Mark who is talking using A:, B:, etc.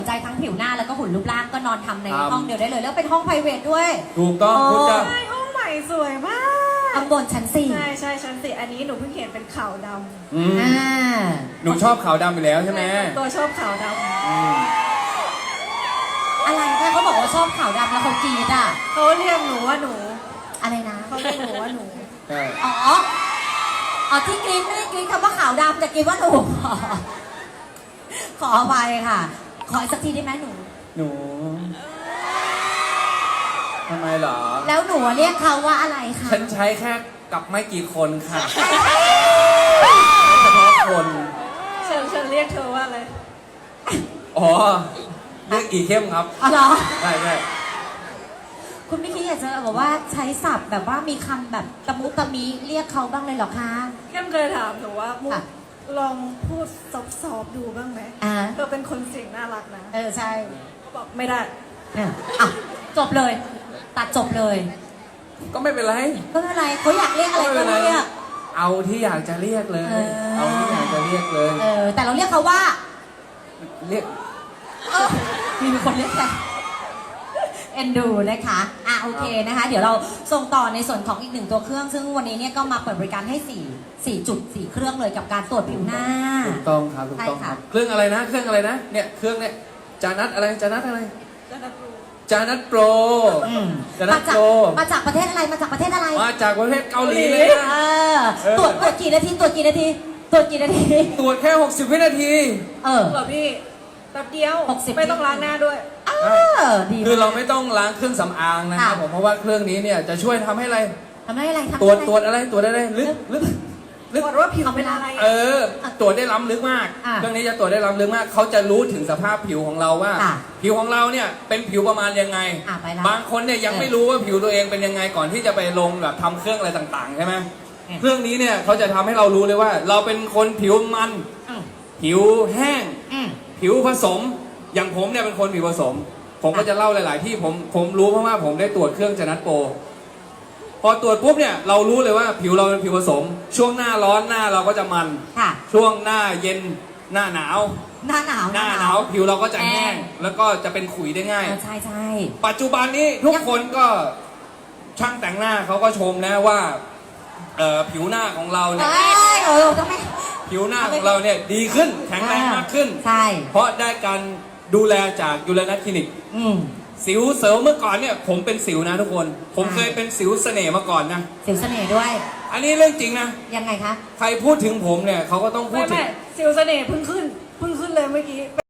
A: ใจทั้งผิวหน้าแล้วก็หุ่นรูปร่างก็นอนทำในห้องเดียวได้เลยแล้วเป็นห้อง private ด้วย
B: ถูกต้องคุณจะ
C: ใช่ห้องใหม่สวยมาก
A: ข้างบนชั้น4
C: ใช่ใช่ชั้น4อันนี้หนูเพิ่งเห็นเป็นขาวด
A: อ่า
B: หนูชอบขาวดำอยู่แล้ว
C: ำ
B: ใช่ไหม
C: ตัวชอบขาวด
A: อะไรคะเขาบอกว่าชอบขาวดำแล้วเขากรีดอ่ะ
C: ำเขาเรียกหนูว่าหนู
A: อะไรนะ
C: เขาเรียกหนูว่าหนู
B: ใช่
A: อ๋อที่กรีดไม่ได้กรีดคำว่าขาวดำแต่กรีดว่าหนู ขออภัยค่ะ ขออีกสักทีได้ไหมหนู
B: หนูทำไมเหรอ
A: แล้วหนูเรียกเขาว่าอะไรคะ
B: ฉันใช้แค่กับไม่กี่คนค่ะเฉพาะคน
C: ฉันเรียกเธอว่าอะไร
B: อ๋อเรียกอีเข้มครับ
A: อ๋อเหรอ
B: ใช่ใช่
A: คุณไม่คิดอยากจะแบบว่าใช้ศัพท์แบบว่ามีคำแบบตะมุตะมิเรียกเขาบ้างเลยเหรอคะ
C: เข้มเคยถามหนูว่ามุก
A: ค่ะ
C: ลองพูดซอฟๆดูบ้างไหม
A: อ่า
C: เธอเป็นคนเสียงน่ารักนะ
A: ใช่
C: เขาบอกไม่ได้
A: อ่ะจบเลย ตัดจบเลย
B: ก็ไม่เป็นไร
A: ก็ไม่เป็นไรเขาอยากเรียกอะไรก็เรียก
B: เอาที่อยากจะเรียกเลย เอาที่อยากจะเรียกเลย
A: แต่เราเรียกเขาว่า
B: เรียก
A: มีคนเรียกแต่เอ็นดูนะคะโอเคนะคะ เดี๋ยวเราส่งต่อในส่วนของอีกหนึ่งตัวเครื่อง ซึ่งวันนี้เนี่ยก็มาเปิดบริการให้4จุด4เครื่องเลยกับการตรวจผิวหน้า
B: ถูกต้องครับถูกต้องครับ เครื่องอะไรนะ เครื่องอะไรนะ เนี่ยเครื่องเนี่ยจานัทอะไรจานัทอะไร
C: จะนับรู้
B: จานัทโปรจานั
A: มา
B: ท
A: จาก
B: โปร
A: มาจากประเทศอะไรมาจากประเทศอะไร
B: มาจากประเทศเกาหลีเลยนะ
A: ตรวจกี่นาทีตรวจกี่นาทีตรวจกี่นาที
B: ตรวจแค่ 60 วินาที
C: เหรอพี่แป๊บเดียว
A: 60
C: ไม่ต้องล้างหน้าด้วย
A: ดี
B: คือเราไม่ต้องล้างเครื่องสำอางนะครับผมเพราะว่าเครื่องนี้เนี่ยจะช่วยทำให้อะไร
A: ทำได้อะไรทำ
B: ตรวจอะไรตรวจอะไรลึก
C: ตรวจว่าผิวเป็นอะไร
B: ตรวจได้ล้ำลึกมาก เครื่องนี้จะตรวจได้ล้ำลึกมาก เขาจะรู้ถึงสภาพผิวของเราว่า ผิวของเราเนี่ยเป็นผิวประมาณยังไง
A: ไปแล้ว
B: บางคนเนี่ยยังไม่รู้ว่าผิวตัวเองเป็นยังไงก่อนที่จะไปลงแบบทำเครื่องอะไรต่างๆใช่ไหมเครื่องนี้เนี่ยเขาจะทำให้เรารู้เลยว่า เราเป็นคนผิวมัน ผิวแห้ง ผิวผสม อย่างผมเนี่ยเป็นคนผิวผสม ผมก็จะเล่าหลาย ๆ ที่ผมรู้เพราะว่าผมได้ตรวจเครื่องจนัทโปรพอตรวจปุ๊บเนี่ยเรารู้เลยว่าผิวเราเป็นผิวผสม ช่วงหน้าร้อนหน้าเราก็จะมัน
A: ค่ะ
B: ช่วงหน้าเย็นหน้าหนาว
A: หน้าหนาว
B: หน้าหนาวผิวเราก็จะแห้ง แล้วก็จะเป็นขุยได้ง่าย
A: ใช่ใช่
B: ปัจจุบันนี้ทุกคนก็ช่างแต่งหน้าเขาก็ชมนะว่าผิวหน้าของเราเนี่ย
A: ต้องไม่
B: ผิวหน้าของเราเนี่ยดีขึ้นแข็งแรงมากขึ้น
A: ใช่
B: เพราะได้การดูแลจากยูเรนัสคลินิกสิวเสริมเมื่อก่อนเนี่ยผมเป็นสิวนะทุกคน ผมเคยเป็นสิวเสน่ห์มาก่อนนะ
A: สิวเสน่ห์ด้วย
B: อันนี้เรื่องจริงนะ
A: ยังไงคะ
B: ใครพูดถึงผมเนี่ยเขาก็ต้องพูดถึ
C: ไม่
B: ง
C: สิวเสน่ห์เพิ่งขึ้นเลยเมื่อกี้